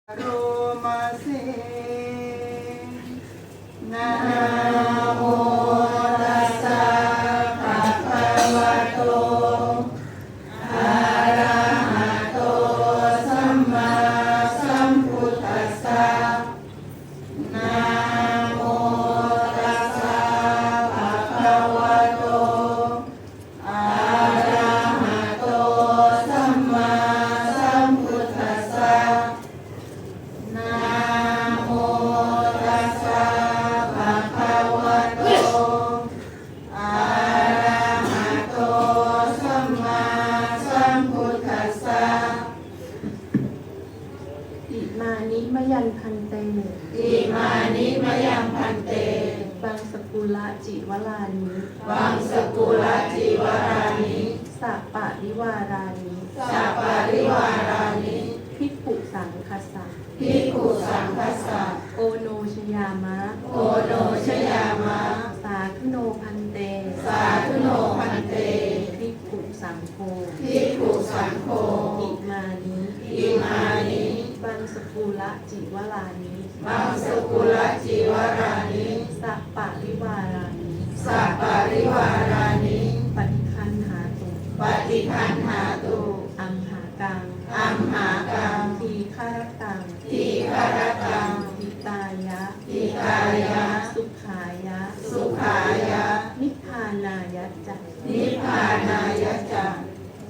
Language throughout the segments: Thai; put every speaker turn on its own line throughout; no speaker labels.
โรมาเซนะโมตัสสะภะคะวะโตอะระหะโตสัมมาสัมพุทธัสสะนะโมตัสสะภะคะวะโตอะระหะโตสัมมาสัมพุทธัสสะนะโมตัสสะภะคะวะโตอะระหะโตสัมมาสัมพุทธัสสะ
อิมานิมยันพันเต
อิมานิมยังพันเต
บังสกุละจิวลานิ
วังสกุลจิวารานิ
สัปปะริวารานิ
สัปปะริวารานิ
ภิกขุสังคัสสะ
ภิกขุสังคัสสะ
โอโนชยามะ
โอโนชยามะ
สาธุโนพันเต
สาธุโนพันเต
ภิกขุสังโฆ
ภิกขุสังโฆ
อิมานิ
อิมานิ
บังสกุละจิวลานิ
มังสกุลจิวารานิ
สัปปะริวารานิ
สัปปะริวารานิ
ปฏิคันหาตุ
ปฏิคันหาตุ
อัมหากัง
อัมหากัง
ทีฆารตัง
ทีฆารตัง
หิตายะ
ทิตายะ
สุขายะ
สุขายะ
นิพพานายะจัก
นิพพานายะจัก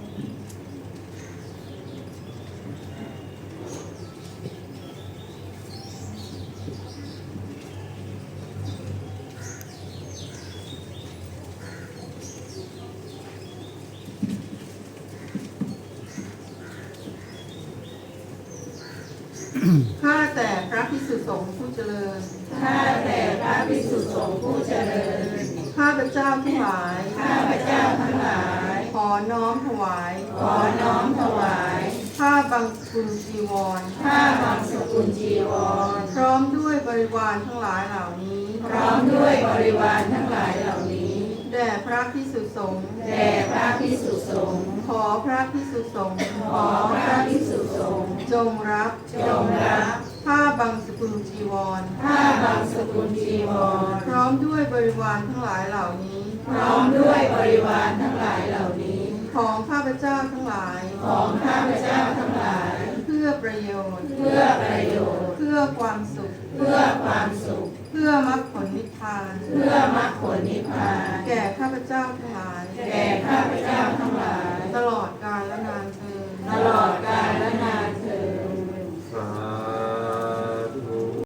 ข้าแต่พระภิกษุสงฆ์ผู้เจริญ ข้าแต่พระภิกษุสงฆ์ผู้เจริญ ข้าพเจ้าทั้งหลาย ข้าพเจ้าทั้งหลาย ขอน้อมถวาย ขอน้อมถวายผ้าบังสกุลจีวร ผ้าบังสกุลจีวร พร้อมด้วยบริวารทั้งหลายเหล่านี้ พร้อมด้วยบริวารทั้งหลายเหล่านี้ แด่พระภิกษุสงฆ์ แด่พระภิกษุสงฆ์ ขอพระภิกษุสงฆ์ ขอพระภิกษุสงฆ์ จงรับ จงรับ ผ้าบังสกุลจีวร ผ้าบังสกุลจีวร พร้อมด้วยบริวารทั้งหลายเหล่านี้ พร้อมด้วยบริวารทั้งหลายเหล่านี้ ของข้าพเจ้าทั้งหลาย ของข้าพเจ้าทั้งหลาย เพื่อประโยชน์ เพื่อประโยชน์ เพื่อความสุข เพื่อความสุข เพื่อมรรคผลนิพพาน เพื่อมรรคผลนิพพาน แก่ข้าพเจ้าทั้งหลาย แก่ข้าพเจ้าทั้งหลาย ตลอดกาลและนานเทอญตลอดกาลและนาน